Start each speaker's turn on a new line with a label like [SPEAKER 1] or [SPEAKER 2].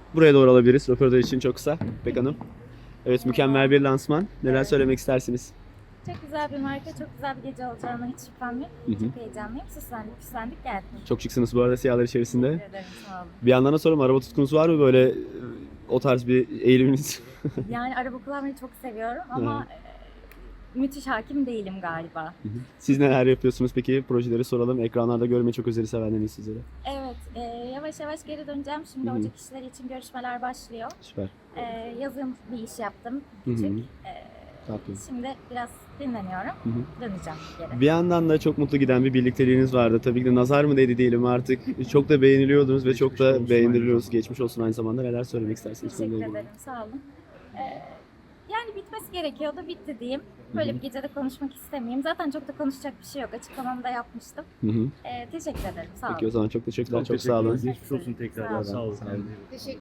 [SPEAKER 1] buraya doğru alabiliriz. Röportaj için çok kısa. İpek Hanım. Evet, mükemmel bir lansman. Neler söylemek istersiniz?
[SPEAKER 2] Çok güzel bir marka, çok güzel bir gece olacağına hiç şüphem yok. Çok heyecanlıyım. Süslendik geldik.
[SPEAKER 1] Çok şıksınız bu arada siyahlar içerisinde.
[SPEAKER 2] Teşekkür ederim, sağ olun.
[SPEAKER 1] Bir yandan da sorayım, araba tutkunuz var mı böyle o tarz bir eğiliminiz?
[SPEAKER 2] Yani araba kullanmayı çok seviyorum ama müthiş hakim değilim galiba.
[SPEAKER 1] Siz neler yapıyorsunuz peki? Projeleri soralım. Ekranlarda görmeyi çok özleri sevenleriniz sizlere.
[SPEAKER 2] Evet, yavaş yavaş geri döneceğim. Şimdi Ocak işleri için görüşmeler başlıyor.
[SPEAKER 1] Süper.
[SPEAKER 2] Yazın bir iş yaptım.
[SPEAKER 1] Hı hı.
[SPEAKER 2] Küçük.
[SPEAKER 1] Tatlı.
[SPEAKER 2] Şimdi biraz dinleniyorum. Döneceğim geri.
[SPEAKER 1] Bir yandan da çok mutlu giden bir birlikteliğiniz vardı. Tabii ki de nazar mı değdi diyelim artık. Çok da beğeniliyordunuz ve çok da beğeniliyoruz. Geçmiş olsun aynı zamanda. Neler söylemek istersiniz?
[SPEAKER 2] Teşekkür ederim, sağ olun. Yani bitmesi gerekiyordu, bitti diyeyim. Böyle bir gecede konuşmak istemeyeyim. Zaten çok da konuşacak bir şey yok. Açıklamamı da yapmıştım. Teşekkür ederim, sağ olun.
[SPEAKER 1] Peki o zaman çok teşekkürler. Çok sağ olun.
[SPEAKER 3] Geçmiş olsun tekrardan.
[SPEAKER 2] Sağ olun.
[SPEAKER 3] Sağ olun.